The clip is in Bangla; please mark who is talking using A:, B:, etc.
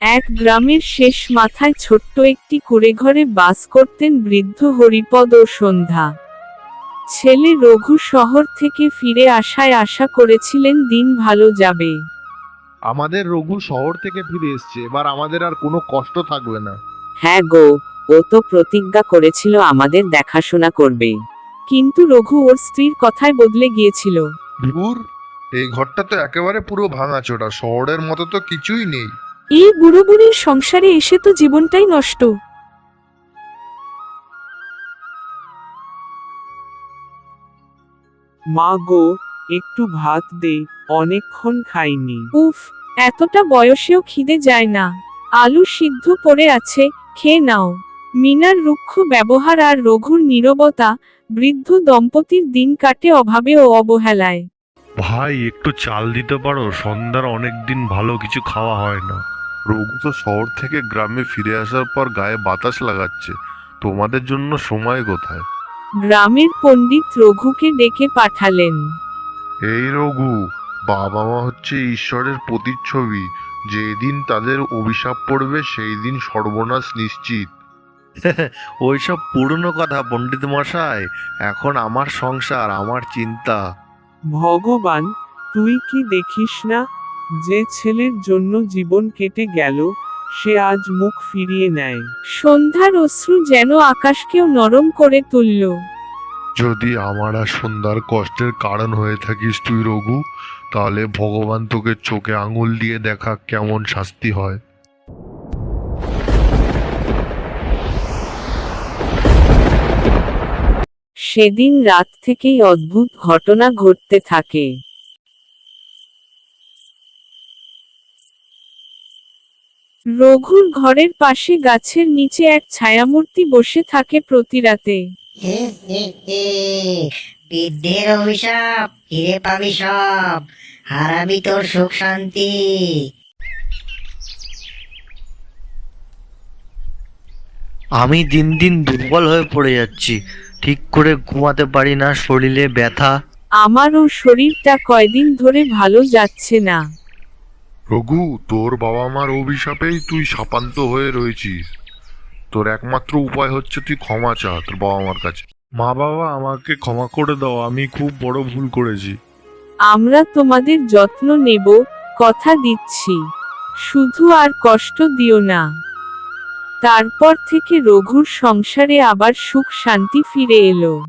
A: এক গ্রামের শেষ মাথায় ছোট্ট একটি কুঁড়েঘরে বাস করতেন বৃদ্ধ হরিপদ ও সন্ধ্যা। ছেলে রঘু শহর থেকে ফিরে আসায় আশা করেছিলেন দিন ভালো যাবে।
B: আমাদের রঘু শহর থেকে ফিরে এসেছে, এবার আমাদের আর কোনো কষ্ট থাকবে না।
A: হ্যাঁ গো, ও তো প্রতিজ্ঞা করেছিল আমাদের দেখাশোনা করবে। কিন্তু রঘু ওর স্ত্রীর কথায় বদলে গিয়েছিল।
B: ধুর, এই ঘরটা তো একেবারে পুরো ভাঙাচোরা, শহরের মতো তো কিছুই নেই।
A: এই বুড়ো বুড়ির সংসারে এসে তো জীবনটাই নষ্ট।
C: মা গো, একটু ভাত দে, অনেকক্ষণ খাইনি।
A: উফ, এতটা বয়সেও খিদে যায় না। আলু সিদ্ধ পড়ে আছে, খেয়ে নাও। মিনার রুক্ষ ব্যবহার আর রঘুর নীরবতা, বৃদ্ধ দম্পতির দিন কাটে অভাবে ও অবহেলায়।
D: ভাই, একটু চাল দিতে পারো? সন্ধ্যার অনেকদিন ভালো কিছু খাওয়া হয় না।
E: রঘু তো শহর থেকে গ্রামে ফিরে আসার পর গায়ে বাতাস লাগাচ্ছে, তোমাদের জন্য সময় কোথায়?
A: গ্রামের পণ্ডিত রঘুকে ডেকে পাঠালেন।
E: এই রঘু, বাবা মা হচ্ছে ঈশ্বরের প্রতিচ্ছবি, যেদিন তাদের অভিশাপ পড়বে সেই দিন সর্বনাশ নিশ্চিত।
D: ওইসব পুরনো কথা পণ্ডিত মশাই। এখন আমার সংসার, আমার চিন্তা।
C: ভগবান, তুই কি দেখিস না, যে ছেলের জন্য জীবন কেটে গেল, সে আজ মুখ ফিরিয়ে নেয়।
A: সন্ধ্যার অশ্রু যেন আকাশকেও নরম করে তুলল।
E: যদি আমার আর সন্ধ্যার কষ্টের কারণ হয়ে থাকিস তুই রঘু, তাহলে ভগবান তোকে চোখে আঙুল দিয়ে দেখা কেমন শাস্তি হয়।
A: সেদিন রাত থেকেই অদ্ভুত ঘটনা ঘটতে থাকে। রঘুর ঘরের পাশে গাছের নিচে এক ছায়ামূর্তি বসে থাকে প্রতি রাতে।
F: বৃদ্ধের অভিশাপ, ফিরে পাবি সব, হারাবি তোর সুখ শান্তি।
G: আমি দিন দিন দুর্বল হয়ে পড়ে যাচ্ছি, ঠিক করে ঘুমাতে পারি না, শরীরে ব্যথা।
A: আমারও শরীরটা কয়দিন ধরে ভালো যাচ্ছে না।
E: রঘু, তোর বাবা মার অভিশাপেই তুই শাপান্ত হয়ে রয়েছিস। তোর একমাত্র উপায় হচ্ছে তুই ক্ষমা চা তোর বাবা মার কাছে।
D: মা বাবা, আমাকে ক্ষমা করে দাও, আমি খুব বড় ভুল করেছি।
A: আমরা তোমাদের যত্ন নেব, কথা দিচ্ছি। শুধু আর কষ্ট দিও না। তারপর থেকে রঘুর সংসারে আবার সুখ শান্তি ফিরে এলো।